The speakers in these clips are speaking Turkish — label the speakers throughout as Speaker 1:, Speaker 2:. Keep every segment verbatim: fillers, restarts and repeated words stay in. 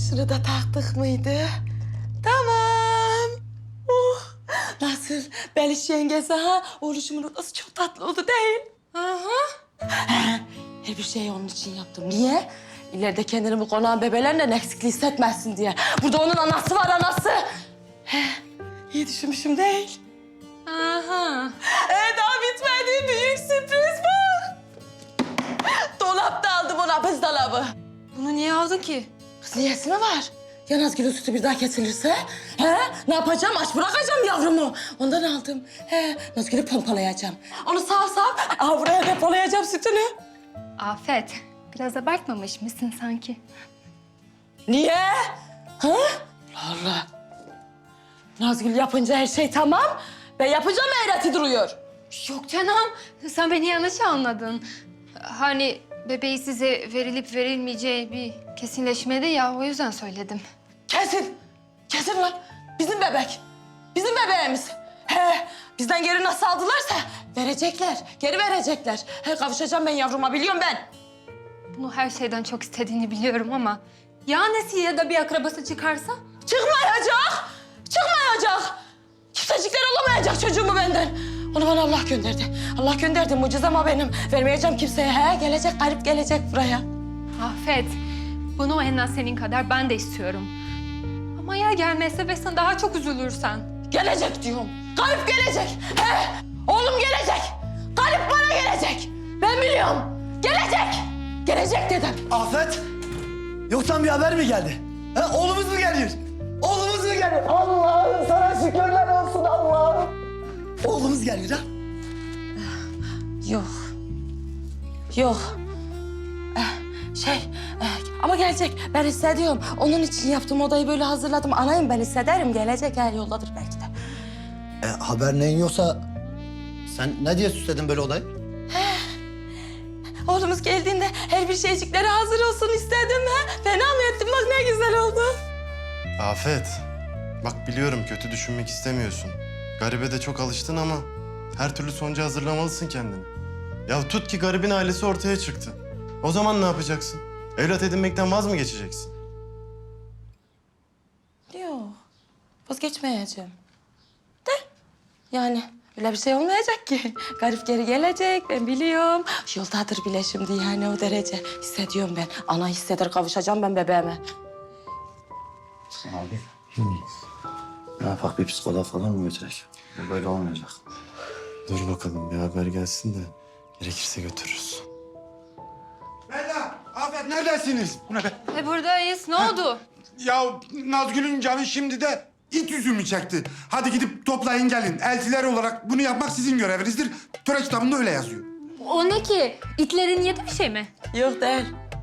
Speaker 1: Şunu da taktık mıydı? Tamam. Oh, nasıl? Beliş yengesi ha? Oğluşumun odası çok tatlı oldu değil?
Speaker 2: Aha.
Speaker 1: Her bir şeyi onun için yaptım. Niye? İleride kendini bu konağın bebelerle eksikliği hissetmezsin diye. Burada onun anası var, anası. He, iyi düşünmüşüm değil.
Speaker 2: Aha.
Speaker 1: Ee, daha bitmedi. Büyük sürpriz var. Dolapta aldım ona, buzdolabı.
Speaker 2: Bunu niye aldın ki?
Speaker 1: Kız niyesi mi var? Ya Nazgül'ün sütü bir daha kesilirse? He? Ne yapacağım? Aç bırakacağım yavrumu. Ondan aldım. He, Nazgül'ü pompalayacağım. Onu sağ sağ, aha buraya depolayacağım sütünü.
Speaker 2: Afet, biraz abartmamış mısın sanki?
Speaker 1: Niye? Ha? Allah Allah. Nazgül yapınca her şey tamam. Ben yapacağım eğreti duruyor.
Speaker 2: Yok canım, sen beni yanlış anladın. Hani bebeği size verilip verilmeyeceği bir kesinleşmedi ya, o yüzden söyledim.
Speaker 1: Kesin. Kesin lan. Bizim bebek. Bizim bebeğimiz. He, bizden geri nasıl aldılarsa verecekler. Geri verecekler. He, kavuşacağım ben yavruma, biliyorum ben.
Speaker 2: Bunu her şeyden çok istediğini biliyorum ama... ...ya annesi ya da bir akrabası çıkarsa?
Speaker 1: Çıkmayacak. Çıkmayacak. Kimsecikler alamayacak çocuğumu benden. Onu bana Allah gönderdi. Allah gönderdi. Mucizem o benim. Vermeyeceğim kimseye. He, gelecek, garip gelecek buraya.
Speaker 2: Afet, bunu en az senin kadar ben de istiyorum. Ama ya gelmezse ve sen daha çok üzülürsen?
Speaker 1: Gelecek diyorum. Garip gelecek. He, oğlum gelecek. Garip bana gelecek. Ben biliyorum. Gelecek. Gelecek dedim.
Speaker 3: Afet, yoktan bir haber mi geldi? Ha, oğlumuz mu geliyor? Oğlumuz mu geliyor? Allah'ım sana şükürler olsun Allah'ım. Oğlumuz geliyor ha?
Speaker 1: Yok. Yok. Eh, Şey, eh, ama gelecek. Ben hissediyorum. Onun için yaptım. Odayı böyle hazırladım. Anayım, ben hissederim. Gelecek, her yoldadır belki de.
Speaker 3: E, haber neyin yoksa sen ne diye süsledin böyle odayı?
Speaker 1: Oğlumuz geldiğinde her bir şeycikleri hazır olsun istedim. Ha? Fena mı ettim? Bak ne güzel oldu.
Speaker 4: Afet, bak biliyorum kötü düşünmek istemiyorsun. Garibe de çok alıştın ama her türlü sonuca hazırlamalısın kendini. Ya tut ki garibin ailesi ortaya çıktı. O zaman ne yapacaksın? Evlat edinmekten vaz mı geçeceksin?
Speaker 1: Yok. Vazgeçmeyeceğim. De. Yani öyle bir şey olmayacak ki. Garip geri gelecek, ben biliyorum. Yoldadır bile şimdi, yani o derece. Hissediyorum ben. Ana hisseder, kavuşacağım ben bebeğime.
Speaker 3: Abi, ne yapak, bir psikoloğa falan mı götürek? Bu böyle olmayacak.
Speaker 4: Dur bakalım bir haber gelsin de gerekirse götürürüz.
Speaker 5: Bella, Afet neredesiniz? Bu ne be?
Speaker 2: E buradayız, ne oldu?
Speaker 5: Ya Nazgül'ün canı şimdi de it üzümü çekti. Hadi gidip toplayın gelin. Eltiler olarak bunu yapmak sizin görevinizdir. Töre kitabında öyle yazıyor.
Speaker 2: O ne ki? İtlerin yedi bir şey mi?
Speaker 1: Yok değil.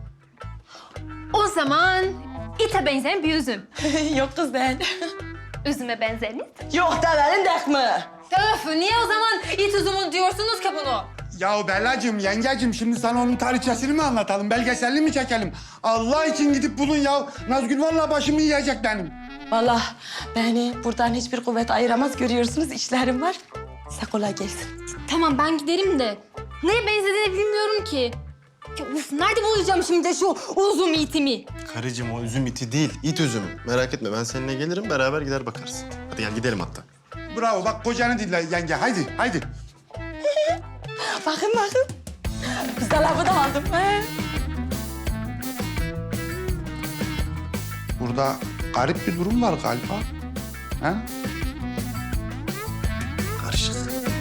Speaker 2: O zaman ite benzeyen bir üzüm.
Speaker 1: Yok kız değil.
Speaker 2: Üzüme benzer mi?
Speaker 1: Yok devenin dek mi?
Speaker 2: Öf, niye o zaman it üzümü diyorsunuz ki bunu?
Speaker 5: Ya Bellacığım, yengecim şimdi sana onun tarihçesini mi anlatalım? Belgeselini mi çekelim? Allah için gidip bulun ya. Nazgül vallahi başımı yiyecek benim.
Speaker 1: Vallahi beni buradan hiçbir kuvvet ayıramaz, görüyorsunuz işlerim var. Size kolay gelsin.
Speaker 2: Tamam ben giderim de neye benzediğini bilmiyorum ki. Ya, uf, nerede bulacağım şimdi şu uzun itimi?
Speaker 4: Karıcığım o üzüm iti değil, it üzümü. Merak etme ben seninle gelirim beraber gider bakarız. Hadi gel gidelim hatta.
Speaker 5: Bravo, bak kocanı dinle yenge. Haydi, haydi.
Speaker 1: Bakın bakın. Buzdolabı da aldım. He.
Speaker 5: Burada garip bir durum var galiba. Ha?
Speaker 3: Karışık.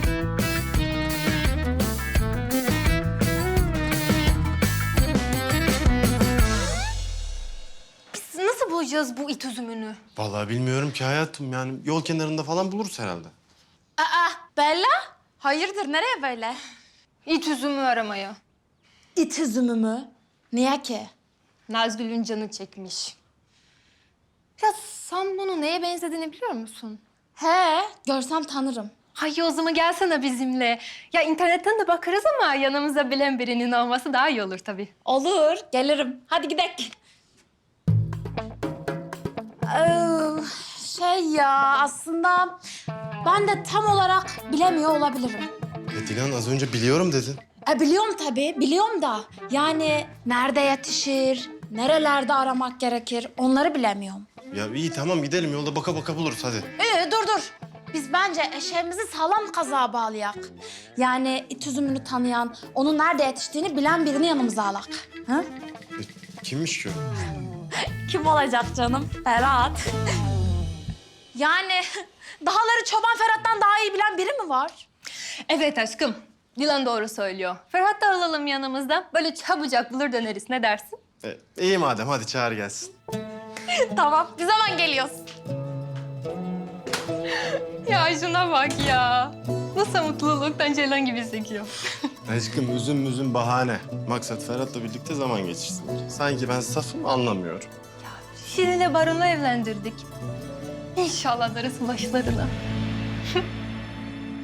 Speaker 2: Biz nasıl bulacağız bu it üzümünü?
Speaker 4: Vallahi bilmiyorum ki hayatım yani yol kenarında falan buluruz herhalde.
Speaker 6: Aa, Bella? Hayırdır, nereye böyle?
Speaker 2: İt üzümü aramaya.
Speaker 6: İt üzümü mü? Niye ki?
Speaker 2: Nazgül'ün canı çekmiş. Ya sen bunu neye benzediğini biliyor musun?
Speaker 6: He, görsem tanırım.
Speaker 2: Hayır o zaman gelsene bizimle. Ya internetten de bakarız ama yanımızda bilen birinin olması daha iyi olur tabii.
Speaker 6: Olur, gelirim. Hadi gidelim. Ee, şey ya, aslında ben de tam olarak bilemiyor olabilirim.
Speaker 4: E Dilan az önce biliyorum dedin.
Speaker 6: E, biliyorum tabii, biliyorum da. Yani nerede yetişir, Nerelerde aramak gerekir onları bilemiyorum.
Speaker 4: Ya iyi tamam gidelim yolda baka baka buluruz hadi.
Speaker 6: Ee, dur dur. Biz bence eşeğimizi sağlam kazığa bağlayak. Yani it üzümünü tanıyan, onun nerede yetiştiğini bilen birini yanımıza alak. Ha?
Speaker 4: E, kimmiş ki o?
Speaker 6: Kim olacak canım? Ferhat. Yani dağları Çoban Ferhat'tan daha iyi bilen biri mi var?
Speaker 2: Evet aşkım. Dilan doğru söylüyor. Ferhat da alalım yanımızda. Böyle çabucak bulur döneriz. Ne dersin?
Speaker 4: E, iyi madem hadi çağır gelsin.
Speaker 6: Tamam. Bir zaman geliyoruz.
Speaker 2: Ya şuna bak ya. Nasıl mutluluktan ceylan gibi sekiyor.
Speaker 4: Aşkım üzüm müzüm bahane. Maksat Ferhat'la birlikte zaman geçirsin. Sanki ben safım anlamıyorum.
Speaker 2: Şirin'le Baron'u evlendirdik. İnşallah darısı başlarına.